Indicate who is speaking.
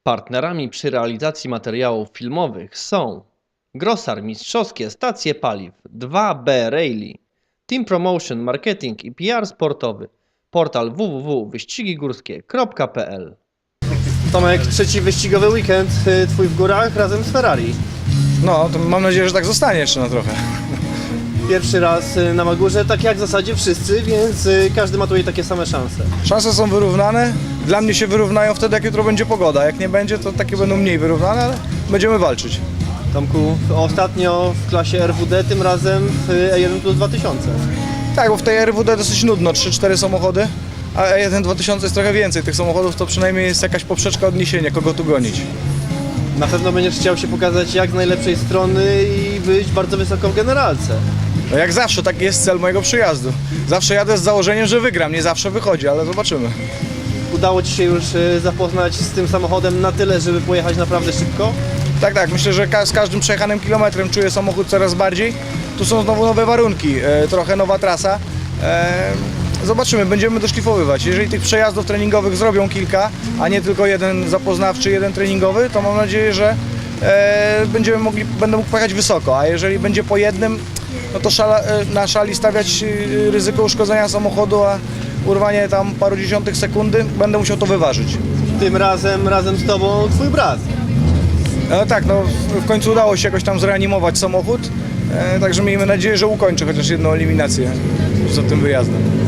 Speaker 1: Partnerami przy realizacji materiałów filmowych są Grosar Mistrzowskie Stacje Paliw, 2B Rally, Team Promotion Marketing i PR Sportowy, portal www.wyścigigórskie.pl.
Speaker 2: Tomek, trzeci wyścigowy weekend twój w górach razem z Ferrari.
Speaker 3: No, to mam nadzieję, że tak zostanie jeszcze na trochę.
Speaker 2: Pierwszy raz na Magurze, tak jak w zasadzie wszyscy, więc każdy ma tutaj takie same szanse.
Speaker 3: Szanse są wyrównane. Dla mnie się wyrównają wtedy, jak jutro będzie pogoda. Jak nie będzie, to takie będą mniej wyrównane, ale będziemy walczyć.
Speaker 2: Tomku, ostatnio w klasie RWD, tym razem w E1 plus 2000.
Speaker 3: Tak, bo w tej RWD dosyć nudno, 3-4 samochody, a E1 2000 jest trochę więcej. Tych samochodów to przynajmniej jest jakaś poprzeczka odniesienia, kogo tu gonić.
Speaker 2: Na pewno będziesz chciał się pokazać jak z najlepszej strony i być bardzo wysoko w generalce.
Speaker 3: No jak zawsze, taki jest cel mojego przyjazdu. Zawsze jadę z założeniem, że wygram, nie zawsze wychodzi, ale zobaczymy.
Speaker 2: Udało Ci się już zapoznać z tym samochodem na tyle, żeby pojechać naprawdę szybko?
Speaker 3: Tak, myślę, że z każdym przejechanym kilometrem czuję samochód coraz bardziej. Tu są znowu nowe warunki, trochę nowa trasa. Zobaczymy, będziemy doszlifowywać. Jeżeli tych przejazdów treningowych zrobią kilka, a nie tylko jeden zapoznawczy, jeden treningowy, to mam nadzieję, że będę mógł pojechać wysoko, a jeżeli będzie po jednym, no to na szali stawiać ryzyko uszkodzenia samochodu, a urwanie tam paru dziesiątych sekundy, będę musiał to wyważyć.
Speaker 2: Tym razem z Tobą Twój brat.
Speaker 3: No tak, no w końcu udało się jakoś tam zreanimować samochód, także miejmy nadzieję, że ukończy chociaż jedną eliminację za tym wyjazdem.